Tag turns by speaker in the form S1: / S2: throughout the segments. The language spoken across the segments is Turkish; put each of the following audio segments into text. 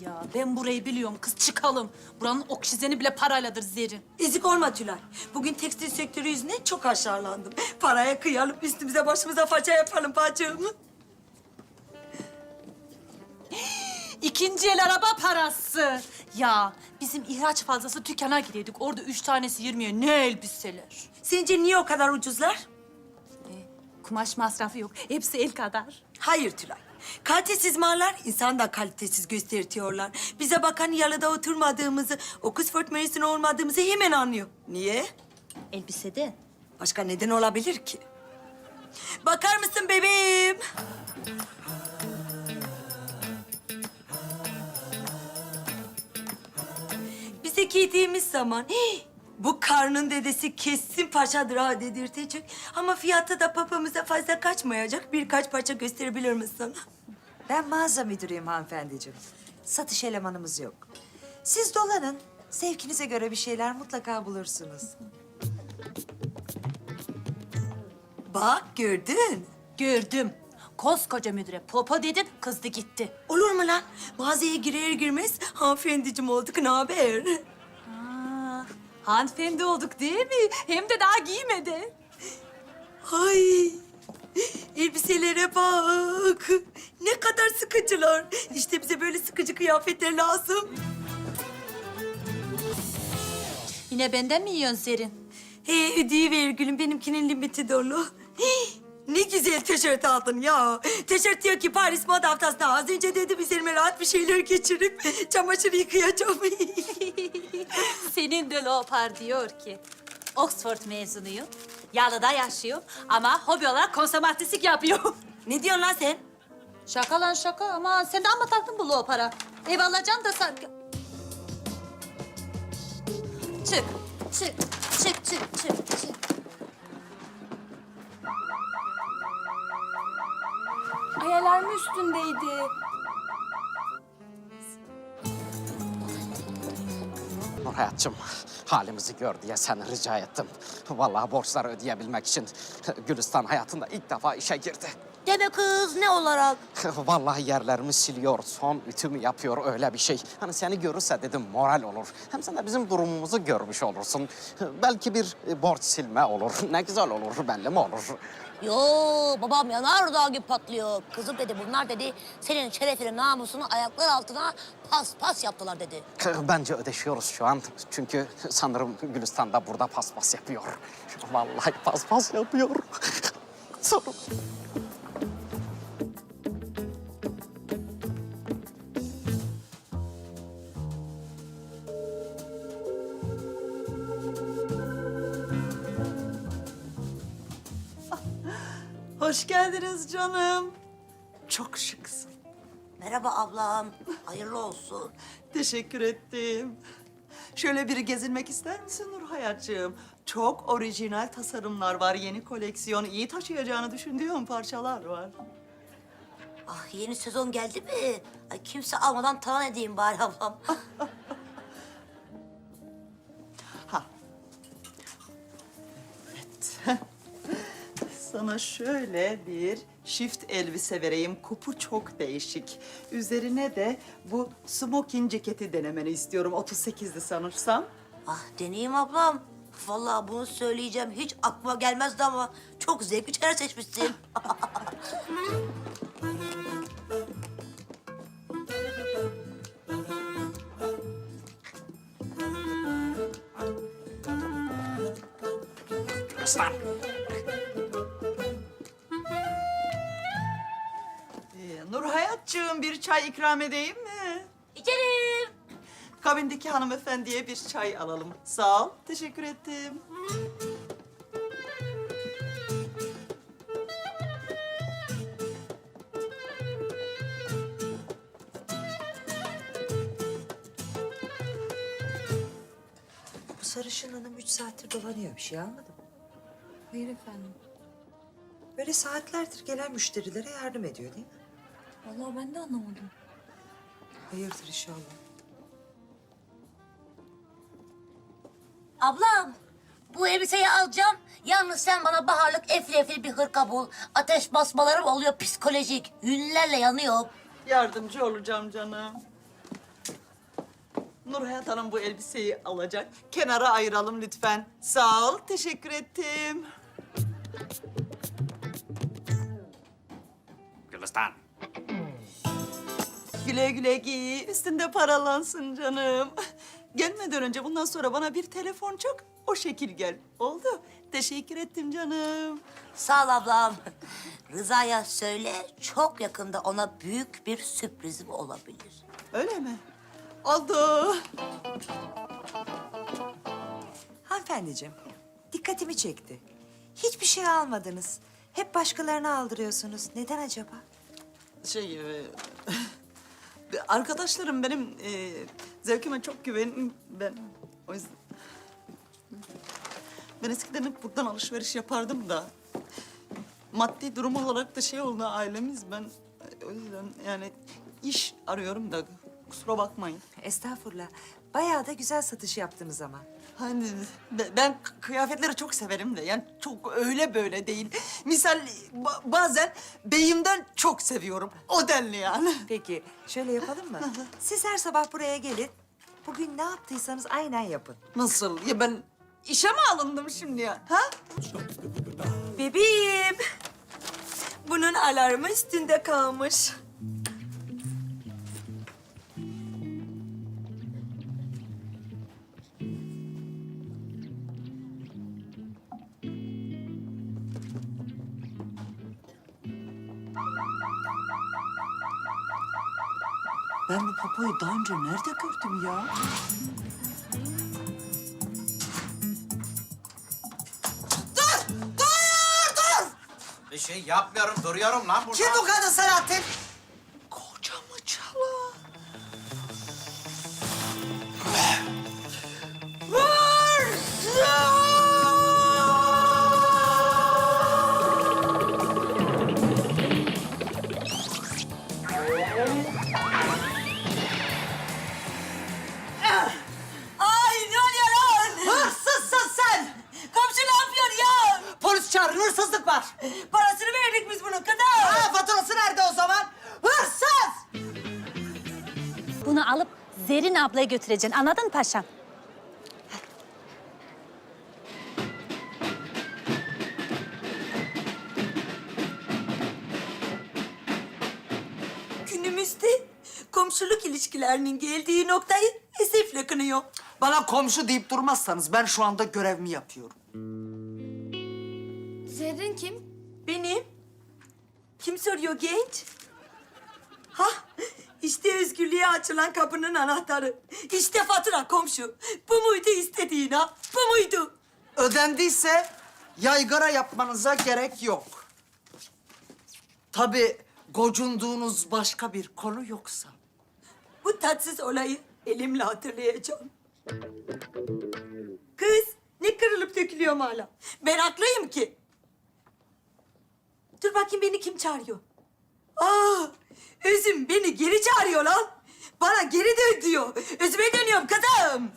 S1: Ya ben burayı biliyorum kız, çıkalım. Buranın oksijeni bile parayladır Zerrin.
S2: Ezik olma Tülay. Bugün tekstil sektörü yüzünden çok aşağılandım. Paraya kıyalım, üstümüze başımıza faça yapalım bacım.
S1: İkinci el araba parası. Ya bizim ihraç fazlası dükkana gidiyorduk. Orada 3 tanesi 20'ye ne elbiseler.
S2: Sence niye o kadar ucuzlar?
S1: Kumaş masrafı yok. Hepsi el kadar.
S2: Hayır Tülay. Kalitesiz mallar insan da kalitesiz göstertiyorlar. Bize bakan yalıda oturmadığımızı, Oxford mezunu olmadığımızı hemen anlıyor. Niye?
S1: Elbisede.
S2: Başka neden olabilir ki? Bakar mısın bebeğim? Bize giydiğimiz zaman bu karnın dedesi kesin paşadır ha dedirtecek. Ama fiyatı da papamıza fazla kaçmayacak. Birkaç parça gösterebilir misin?
S3: Ben mağaza müdürüyüm hanımefendiciğim. Satış elemanımız yok. Siz dolanın. Zevkinize göre bir şeyler mutlaka bulursunuz.
S2: Bak gördün.
S1: Gördüm. Koskoca müdüre popo dedin, kızdı gitti.
S2: Olur mu lan? Mağazaya girer girmez hanımefendiciğim olduk. Ne haber?
S1: Aa, hanımefendi olduk değil mi? Hem de daha giymedi.
S2: Ay, elbiselere bak. Ne kadar sıkıcılar. İşte bize böyle sıkıcı kıyafetler lazım.
S1: Yine benden mi yiyorsun Zerrin?
S2: Ödeyiver gülüm. Benimkinin limiti dolu. Ne güzel tişört aldın ya. Tişört diyor ki Paris Moda Haftası'nda az önce dedim üzerime rahat bir şeyler geçirip çamaşır yıkayacağım.
S1: Senin de Leopar diyor ki Oxford mezunuyum, Yalı'da yaşıyorum ama hobi olarak konsomatrislik yapıyorum.
S2: Ne diyorsun lan sen?
S1: Şaka lan şaka, ama sen de amma taktın bu Leopar'a. Ev alacaksın da sen... Çık, çık, çık, çık, çık, çık.
S4: Ay alarmı üstündeydi.
S5: Nur hayatçım, halimizi gör diye seni rica ettim. Vallahi borçları ödeyebilmek için Gülistan hayatında ilk defa işe girdi.
S2: Deme kız ne olarak?
S5: Vallahi yerlerimi siliyor, son ütümü yapıyor, öyle bir şey. Hani seni görürse dedim moral olur. Hem sen de bizim durumumuzu görmüş olursun. Belki bir borç silme olur. Ne güzel olur, belli mi olur?
S6: Yo babam yanardağ gibi patlıyor. Kızım dedi bunlar dedi senin şerefini namusunu ayaklar altına pas pas yaptılar dedi.
S5: Bence ödeşiyoruz şu an. Çünkü sanırım Gülistan da burada paspas yapıyor. Vallahi paspas yapıyor. Sanırım.
S7: Hoş geldiniz canım. Çok şıksın.
S6: Merhaba ablam. Hayırlı olsun.
S7: Teşekkür ettim. Şöyle biri gezinmek ister misin Nur hayatcığım? Çok orijinal tasarımlar var. Yeni koleksiyon, iyi taşıyacağını düşündüğüm parçalar var.
S6: Ah yeni sezon geldi mi? Ay kimse almadan talan edeyim bari ablam.
S7: Ha. Evet. Sana şöyle bir shift elbise vereyim. Kupu çok değişik. Üzerine de bu smoking ceketi denemeni istiyorum. 38'di sanırsam.
S6: Ah deneyeyim ablam. Vallahi bunu söyleyeceğim hiç aklıma gelmezdi ama çok zevkli şeyler seçmişsin.
S5: Gülistan.
S7: Nur hayatcığım bir çay ikram edeyim mi?
S6: İçerim.
S7: Kabindeki hanımefendiye bir çay alalım. Sağ ol, teşekkür ettim.
S3: Bu sarışın hanım 3 saattir dolanıyor. Bir şey almadı mı?
S4: Hayır efendim.
S3: Böyle saatlerdir gelen müşterilere yardım ediyor değil mi?
S4: Vallahi ben de anlamadım.
S3: Hayırdır inşallah.
S6: Ablam bu elbiseyi alacağım. Yalnız sen bana baharlık efli efli bir hırka bul. Ateş basmalarım oluyor psikolojik. Ünlülerle yanıyor.
S7: Yardımcı olacağım canım. Nurhayat Hanım bu elbiseyi alacak. Kenara ayıralım lütfen. Sağ ol, teşekkür ettim.
S5: Gülistan.
S7: Güle güle giy, üstünde paralansın canım. Gelmeden önce bundan sonra bana bir telefon çok o şekil gel. Oldu. Teşekkür ettim canım.
S6: Sağ ol ablam. Rıza'ya söyle, çok yakında ona büyük bir sürprizim olabilir.
S7: Öyle mi? Oldu.
S3: Hanımefendiciğim, dikkatimi çekti. Hiçbir şey almadınız. Hep başkalarına aldırıyorsunuz. Neden acaba?
S7: Arkadaşlarım benim zevkime çok güvenin. Ben o yüzden... Ben eskiden hep buradan alışveriş yapardım da... Maddi durum olarak da şey oldu ailemiz. Ben o yüzden yani iş arıyorum da kusura bakmayın.
S3: Estağfurullah. Bayağı da güzel satış yaptınız ama.
S7: Hani ben kıyafetleri çok severim de yani çok öyle böyle değil. Misal bazen beyimden çok seviyorum. O denli yani.
S3: Peki, şöyle yapalım mı? Siz her sabah buraya gelin. Bugün ne yaptıysanız aynen yapın.
S7: Nasıl? Ya ben işe mi alındım şimdi ya? Ha?
S2: Bebeğim. Bunun alarmı üstünde kalmış.
S7: Ben bu popoyu daha önce nerede gördüm ya?
S5: Bir şey yapmıyorum, duruyorum lan burada.
S7: Kim bu kadın Selahattin? Kocamı çalan.
S2: Ay ne oluyor lan?
S7: Hırsızsın sen!
S2: Komşu ne yapıyor ya?
S7: Polis çağırın, hırsızlık var.
S2: Parasını verdik biz bunun kadar.
S7: Ha, faturası nerede o zaman? Hırsız!
S1: Bunu alıp Zerrin ablaya götüreceksin. Anladın mı paşam?
S2: Günümüzde komşuluk ilişkilerinin geldiği noktayı esefle kınıyor.
S8: Bana komşu deyip durmazsanız ben şu anda görevimi yapıyorum.
S4: Zerrin kim?
S2: Benim. Kim soruyor genç? Ha, işte özgürlüğe açılan kapının anahtarı. İşte fatura komşu. Bu muydu istediğin ha? Bu muydu?
S8: Ödendiyse yaygara yapmanıza gerek yok. Tabii gocunduğunuz başka bir konu yoksa.
S2: Bu tatsız olayı elimle hatırlayacağım. Kız, ne kırılıp dökülüyorum hala? Ben haklıyım ki. Dur bakayım beni kim çağırıyor? Aa, Özüm beni geri çağırıyor lan. Bana geri dön diyor. Özüme dönüyorum kızım.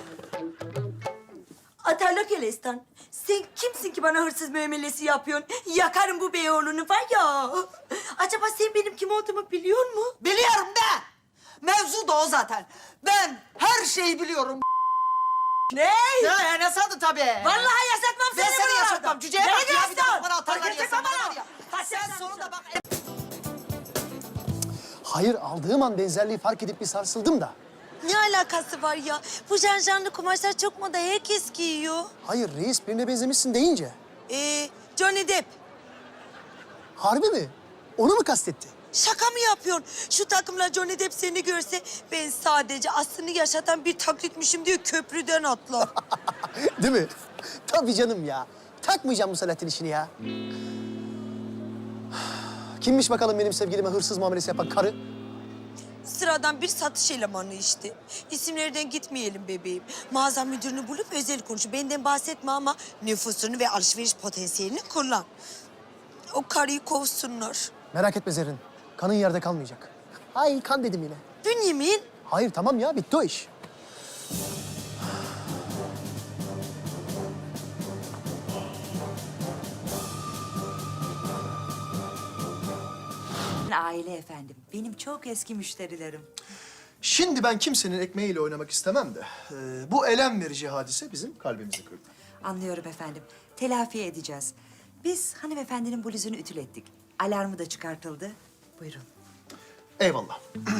S2: Atarlak Elestan, sen kimsin ki bana hırsız muamelesi yapıyorsun? Yakarım bu beyoğlunu var ya. Acaba sen benim kim olduğumu biliyor musun?
S8: Biliyorum da. Mevzu da o zaten. Ben her şeyi biliyorum.
S2: Ne?
S8: Ya ne sandın tabii.
S2: Vallahi yaşatmam
S8: Ben
S2: seni
S8: seni
S2: buralarda.
S8: yaşatmam. Cüceye bak
S2: Nereye
S8: ya, bir daha
S2: yaşatın?
S8: bana atarlar
S2: Hareket
S8: ya,
S2: etme
S8: sana
S2: bana.
S8: var ya.
S2: Kaç
S8: Sen
S2: yaşındasın?
S8: sonunda bak.
S9: Hayır, aldığım an benzerliği fark edip bir sarsıldım da.
S2: Ne alakası var ya? Bu janjanlı kumaşlar çok moda, herkes giyiyor.
S9: Hayır, reis birine benzemişsin deyince.
S2: Johnny Depp.
S9: Harbi mi? Onu mu kastetti?
S2: Şaka mı yapıyorsun? Şu takımla Johnny Depp seni görse ben sadece aslını yaşatan bir taklitmişim diye köprüden atlar.
S9: Değil mi? Tabii canım ya. Takmayacağım bu Selahattin işini ya. Kimmiş bakalım benim sevgilime hırsız muamelesi yapan karı?
S2: Sıradan bir satış elemanı işte. İsimlerden gitmeyelim bebeğim. Mağaza müdürünü bulup özel konuşu. Benden bahsetme ama nüfusunu ve alışveriş potansiyelini kullan. O karıyı kovsunlar.
S9: Merak etme Zerrin. Kanın yerde kalmayacak. Ay kan dedim yine.
S2: Bünyamin.
S9: Hayır tamam ya, bitti o iş.
S3: Aile efendim. Benim çok eski müşterilerim.
S9: Şimdi ben kimsenin ekmeğiyle oynamak istemem de... bu elem verici hadise bizim kalbimizi kırdı.
S3: Anlıyorum efendim. Telafi edeceğiz. Biz hanımefendinin bluzunu ütülettik. Alarmı da çıkartıldı. Buyurun.
S9: Eyvallah.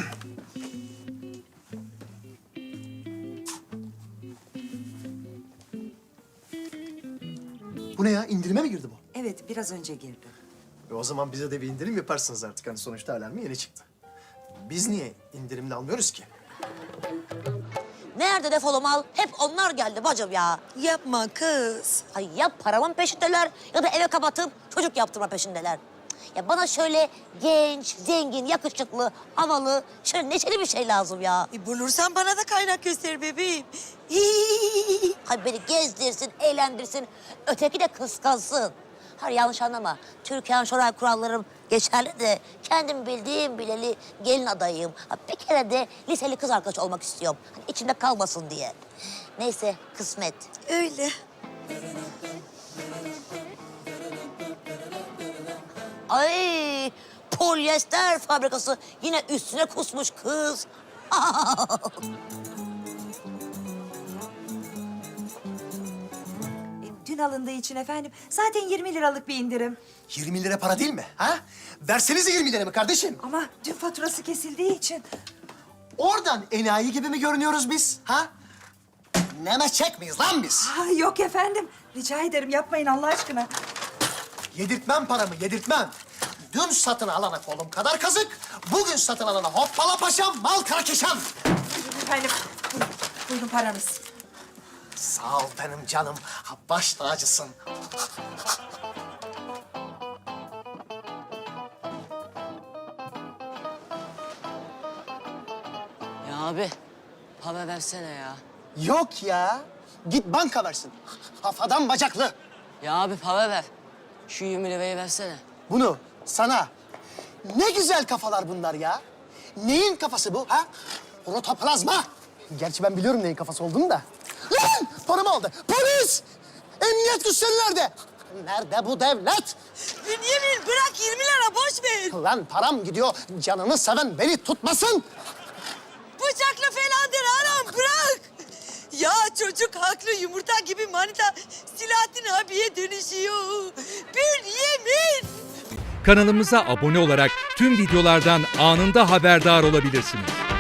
S9: Bu ne ya? İndirime mi girdi bu?
S3: Evet, biraz önce girdi.
S9: O zaman bize de bir indirim yaparsınız artık. Hani sonuçta alarmı yeni çıktı. Biz niye indirimli almıyoruz ki?
S6: Nerede defolu mal? Hep onlar geldi bacım ya.
S2: Yapma kız.
S6: Ay ya paramın peşindeler ya da eve kapatıp çocuk yaptırma peşindeler. Ya bana şöyle genç, zengin, yakışıklı, havalı, şöyle neşeli bir şey lazım ya.
S2: Bulursan bana da kaynak göster bebeğim.
S6: Hay beni gezdirsin, eğlendirsin, öteki de kıskansın. Hayır yanlış anlama. Türkan Şoray kurallarım geçerli de kendim bildiğim bileli gelin adayıyım. Ha, bir kere de liseli kız arkadaş olmak istiyorum. Hani içimde kalmasın diye. Neyse kısmet.
S2: Öyle.
S6: Ay polyester fabrikası yine üstüne kusmuş kız.
S3: Dün alındığı için efendim. Zaten 20 liralık bir indirim.
S9: 20 lira para değil mi? Ha? Versenize 20 lira mı kardeşim?
S3: Ama dün faturası kesildiği için.
S9: Oradan enayi gibi mi görünüyoruz biz? Ha? Nemeçek miyiz lan biz?
S3: Yok efendim. Rica ederim yapmayın Allah aşkına.
S9: Yedirtmem paramı, yedirtmem. Dün satın alana kolum kadar kazık, bugün satın alana hoppala paşam, mal karakeşan.
S2: Efendim, buyurun paranız.
S9: Sağ ol benim canım, baş tacısın.
S10: Ya abi, para versene ya.
S9: Yok ya, git banka versin. Kafadan bacaklı.
S10: Ya abi para ver. Şu 20 lirayı versene.
S9: Bunu sana. Ne güzel kafalar bunlar ya. Neyin kafası bu ha? Protoplazma. Gerçi ben biliyorum neyin kafası olduğunu da. Lan! Paramı aldı. Polis! Emniyet güçleri nerede? Nerede bu devlet?
S2: Bünyamin bırak 20 lira boş ver.
S9: Lan param gidiyor. Canını seven beni tutmasın.
S2: Bıçakla falandır anam bırak. Ya çocuk haklı yumurta gibi manita Silahattin abiye dönüşüyor. Bünyamin.
S11: Kanalımıza abone olarak tüm videolardan anında haberdar olabilirsiniz.